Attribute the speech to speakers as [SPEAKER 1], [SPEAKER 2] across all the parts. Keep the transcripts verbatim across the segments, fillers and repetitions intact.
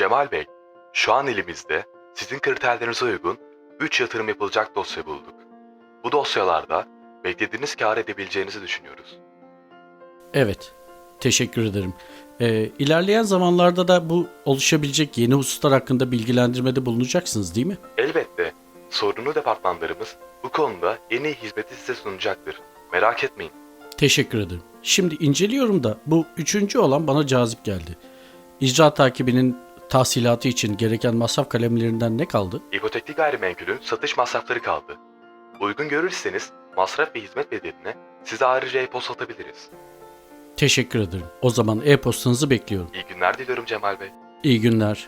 [SPEAKER 1] Cemal Bey, şu an elimizde sizin kriterlerinize uygun üç yatırım yapılacak dosya bulduk. Bu dosyalarda beklediğiniz kâr edebileceğinizi düşünüyoruz.
[SPEAKER 2] Evet, teşekkür ederim. Ee, ilerleyen zamanlarda da bu oluşabilecek yeni hususlar hakkında bilgilendirmede bulunacaksınız değil mi?
[SPEAKER 1] Elbette sorumlu departmanlarımız bu konuda en iyi hizmeti size sunacaktır. Merak etmeyin.
[SPEAKER 2] Teşekkür ederim. Şimdi inceliyorum da bu üçüncü olan bana cazip geldi. İcra takibinin tahsilatı için gereken masraf kalemlerinden ne kaldı?
[SPEAKER 1] İpotekli gayrimenkulün satış masrafları kaldı. Uygun görürseniz masraf ve hizmet bedelini size ayrıca e-posta atabiliriz.
[SPEAKER 2] Teşekkür ederim. O zaman e-postanızı bekliyorum.
[SPEAKER 1] İyi günler diliyorum Cemal Bey.
[SPEAKER 2] İyi günler.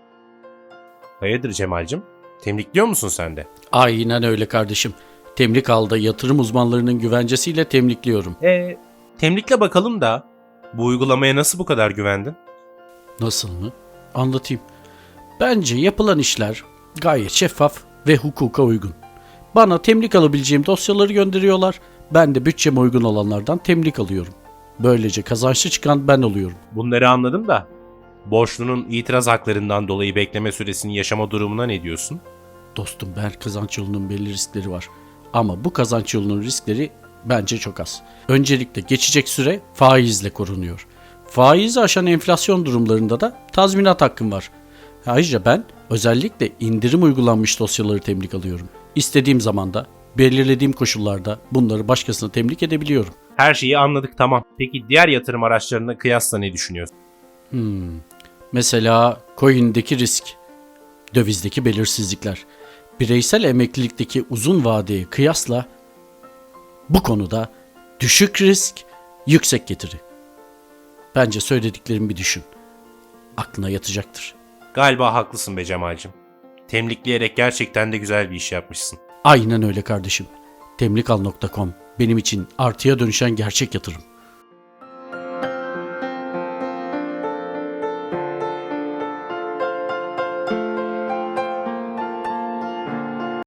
[SPEAKER 3] Hayırdır Cemal'cim? Temlikliyor musun sen de?
[SPEAKER 2] Aynen öyle kardeşim. Temlik alda yatırım uzmanlarının güvencesiyle temlikliyorum.
[SPEAKER 3] E, temlikle bakalım da bu uygulamaya nasıl bu kadar güvendin?
[SPEAKER 2] Nasıl mı? Anlatayım. Bence yapılan işler gayet şeffaf ve hukuka uygun. Bana temlik alabileceğim dosyaları gönderiyorlar. Ben de bütçeme uygun olanlardan temlik alıyorum. Böylece kazançlı çıkan ben oluyorum.
[SPEAKER 3] Bunları anladım da borçlunun itiraz haklarından dolayı bekleme süresini yaşama durumuna ne diyorsun?
[SPEAKER 2] Dostum, her kazanç yolunun belli riskleri var. Ama bu kazanç yolunun riskleri bence çok az. Öncelikle geçecek süre faizle korunuyor. Faizi aşan enflasyon durumlarında da tazminat hakkım var. Ayrıca ben özellikle indirim uygulanmış dosyaları temlik alıyorum. İstediğim zamanda, belirlediğim koşullarda bunları başkasına temlik edebiliyorum.
[SPEAKER 3] Her şeyi anladık, tamam. Peki diğer yatırım araçlarına kıyasla ne düşünüyorsun?
[SPEAKER 2] Hmm. Mesela coin'deki risk, dövizdeki belirsizlikler, bireysel emeklilikteki uzun vadeye kıyasla bu konuda düşük risk, yüksek getiri. Bence söylediklerimi bir düşün. Aklına yatacaktır.
[SPEAKER 3] Galiba haklısın be Cemal'cim. Temlikleyerek gerçekten de güzel bir iş yapmışsın.
[SPEAKER 2] Aynen öyle kardeşim. temlikal nokta com benim için artıya dönüşen gerçek yatırım.